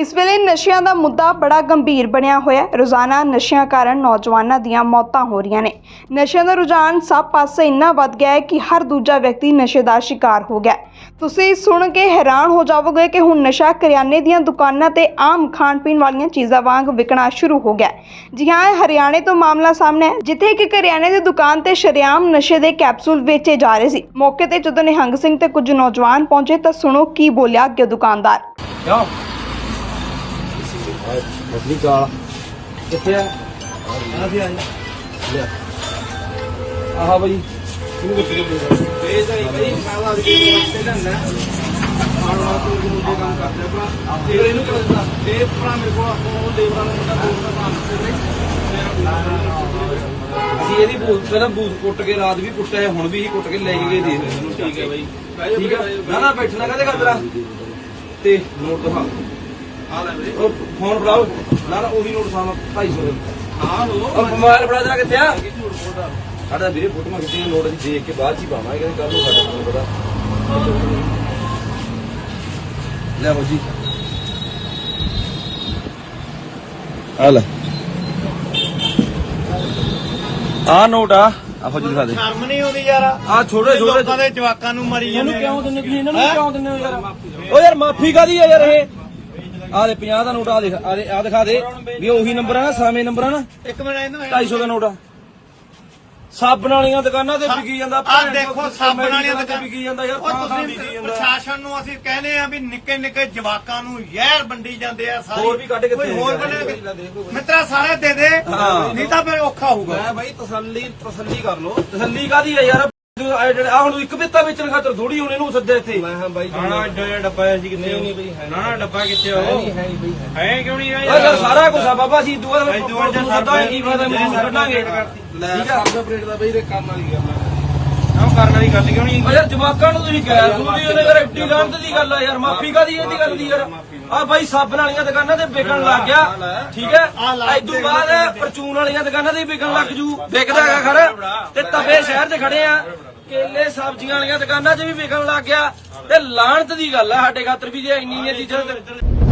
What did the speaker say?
इस वेले नशिਆਂ ਦਾ ਮੁੱਦਾ ਬੜਾ ਗੰਭੀਰ ਬਣਿਆ ਹੋਇਆ। ਰੋਜ਼ਾਨਾ ਨਸ਼ਿਆਂ ਕਾਰਨ ਨੌਜਵਾਨਾਂ ਦੀਆਂ ਮੌਤਾਂ ਹੋ ਰਹੀਆਂ ਨੇ। ਨਸ਼ਿਆਂ ਦਾ ਰੁਝਾਨ ਸਭ ਪਾਸੇ ਇੰਨਾ ਵੱਧ ਗਿਆ ਹੈ ਕਿ ਹਰ ਦੂਜਾ ਵਿਅਕਤੀ ਨਸ਼ੇ ਦਾ ਸ਼ਿਕਾਰ ਹੋ ਗਿਆ। ਤੁਸੀਂ ਸੁਣ ਕੇ ਹੈਰਾਨ ਹੋ ਜਾਵੋਗੇ ਕਿ ਹੁਣ ਨਸ਼ਾ ਕਰਿਆਨੇ ਦੀਆਂ ਦੁਕਾਨਾਂ ਤੇ ਆਮ ਖਾਣ ਪੀਣ ਵਾਲੀਆਂ ਚੀਜ਼ਾਂ ਵਾਂਗ ਵਿਕਣਾ ਸ਼ੁਰੂ ਹੋ ਗਿਆ। ਜੀ ਹਾਂ, ਹਰਿਆਣੇ ਤੋਂ ਮਾਮਲਾ ਸਾਹਮਣੇ ਹੈ, ਜਿੱਥੇ ਇੱਕ ਕਰਿਆਨੇ ਦੀ ਦੁਕਾਨ ਤੇ ਸ਼ਰੇਆਮ ਨਸ਼ੇ ਦੇ ਕੈਪਸੂਲ ਵੇਚੇ ਜਾ ਰਹੇ ਸੀ। ਮੌਕੇ ਤੇ ਜਦੋਂ ਨਿਹੰਗ ਸਿੰਘ ਤੇ ਕੁਝ ਨੌਜਵਾਨ ਪਹੁੰਚੇ ਤਾਂ ਸੁਣੋ ਕੀ ਬੋਲਿਆ ਅੱਗੇ ਦੁਕਾਨਦਾਰ। मछली का कितने हाँ भाई बूथ कुट के रात भी कुटा है हुण भी कुट के ले गए दे ठीक है भाई ठीक है ना बैठना कहते कर तेरा ते नोट दिखा फोन फड़ाओ ना ना वही नोट सामने 250 मोबाइल फड़ा देना कितने साढ़ा मेरे फोटो कितने नोट देख के बाद ही पावे कल साढ़ा पता लो जी आ नोट आ फौजी दिखा दे ਸ਼ਰਮ ਨਹੀਂ ਆਉਂਦੀ ਯਾਰ आ छोटे छोटे ਲੋਕਾਂ ਦੇ ਜਵਾਕਾਂ ਨੂੰ ਮਰੀ ਜਾਂਦੇ ਕਿਉਂ ਦਿੰਦੇ ਤੁਸੀਂ ਇਹਨਾਂ ਨੂੰ ਕਿਉਂ ਦਿੰਦੇ ਹੋ ਯਾਰ ਓ ਯਾਰ ਮਾਫੀ ਕਾਦੀ ਆ ਯਾਰ ਇਹ ਆ ਦੇ 50 ਦਾ ਨੋਟ ਆ ਦੇਖ ਆ ਦਿਖਾ ਦੇ ਵੀ ਉਹੀ ਨੰਬਰ ਆ ਨਾ ਸਾਵੇਂ ਨੰਬਰ ਆ ਨਾ ਇੱਕ ਮਿੰਟ ਇਹਨੂੰ 250 ਦਾ ਨੋਟ ਆ ਸਾਬਣ ਵਾਲੀਆਂ ਦੁਕਾਨਾਂ ਤੇ ਵਿਕੀ ਜਾਂਦਾ ਆ ਦੇਖੋ ਸਾਬਣ ਵਾਲੀਆਂ ਤੇ ਵਿਕੀ ਜਾਂਦਾ ਯਾਰ ਉਹ ਤੁਸੀਂ ਪ੍ਰਸ਼ਾਸਨ ਨੂੰ ਅਸੀਂ ਕਹਿੰਦੇ ਆ ਵੀ ਨਿੱਕੇ ਨਿੱਕੇ ਜਵਾਕਾਂ ਨੂੰ ਜ਼ਹਿਰ ਵੰਡੀ ਜਾਂਦੇ ਆ ਸਾਰੇ ਹੋਰ ਵੀ ਕੱਢ ਕੇ ਕੋਈ ਦੇ ਹੋਰ ਬਣੇ ਮਿੱਤਰਾ ਸਾਰੇ ਦੇ ਦੇ ਨਹੀਂ ਤਾਂ ਫਿਰ ਔਖਾ ਹੋਊਗਾ ਮੈਂ ਬਾਈ ਤਸੱਲੀ ਕਰ ਲੋ ਤਸੱਲੀ ਕਾਦੀ ਆ ਯਾਰ ਆ ਹੁਣ ਇੱਕ ਬਿੱਤਾ ਵੇਚਣ ਖਾਤਰ ਥੋੜੀ ਹੁਣ ਇਹਨੂੰ ਸੱਦੇ ਇੱਥੇ ਮੈਂ ਹਾਂ ਬਾਈ ਨਾ ਐਡਾ ਡੱਬਾ ਸੀ ਕਿੰਨੇ ਨਹੀਂ ਬਈ ਨਾ ਡੱਬਾ ਕਿੱਥੇ ਹੋ ਹੈ ਨਹੀਂ ਬਈ ਹੈ ਕਿਉਂ ਨਹੀਂ ਓ ਯਾਰ ਸਾਰਾ ਕੁਝ ਆ ਬਾਬਾ ਸੀ ਦੁਆ ਦਾ ਸੱਦਾ ਕੀ ਫਾਇਦਾ ਮੂੰਹ ਕੱਢਾਂਗੇ ਲੈ ਸਭ ਆਪਰੇਟ ਦਾ ਬਈ ਰੇ ਕਰਨ ਵਾਲੀ ਗੱਲ ਆ ਉਹ ਕਰਨ ਵਾਲੀ ਗੱਲ ਕਿਉਂ ਨਹੀਂ ਓ ਯਾਰ ਜਵਾਕਾਂ ਨੂੰ ਤੁਸੀਂ ਕਹਿ ਸੁਣੀ ਉਹਨੇ ਯਾਰ ਐਡੀ ਲਾਂਤ ਦੀ ਗੱਲ ਆ ਯਾਰ ਮਾਫੀ ਕਾਦੀ ਇਹਦੀ ਗੱਲ ਦੀ ਯਾਰ ਆ ਬਾਈ ਸਾਬਣ ਵਾਲੀਆਂ ਦੁਕਾਨਾਂ ਤੇ ਵਿਕਣ ਲੱਗ ਗਿਆ ਠੀਕ ਹੈ ਇਦੋਂ ਬਾਅਦ ਪਰਚੂਨ ਵਾਲੀਆਂ ਦੁਕਾਨਾਂ ਤੇ ਵਿਕਣ ਲੱਗ ਜੂ ਵਿਕਦਾ ਹੈਗਾ ਖਰ ਤੇ ਤਵੇ ਸ਼ਹਿਰ 'ਚ ਖੜੇ ਆ ਕੇਲੇ ਸਬਜ਼ੀਆਂ ਵਾਲੀਆਂ ਦੁਕਾਨਾਂ 'ਚ ਵੀ ਵਿਕਣ ਲੱਗ ਗਿਆ ਤੇ ਲਾਹਨਤ ਦੀ ਗੱਲ ਆ ਸਾਡੇ ਖਾਤਰ ਵੀ ਜੇ ਇੰਨੀਆਂ ਚੀਜ਼ਾਂ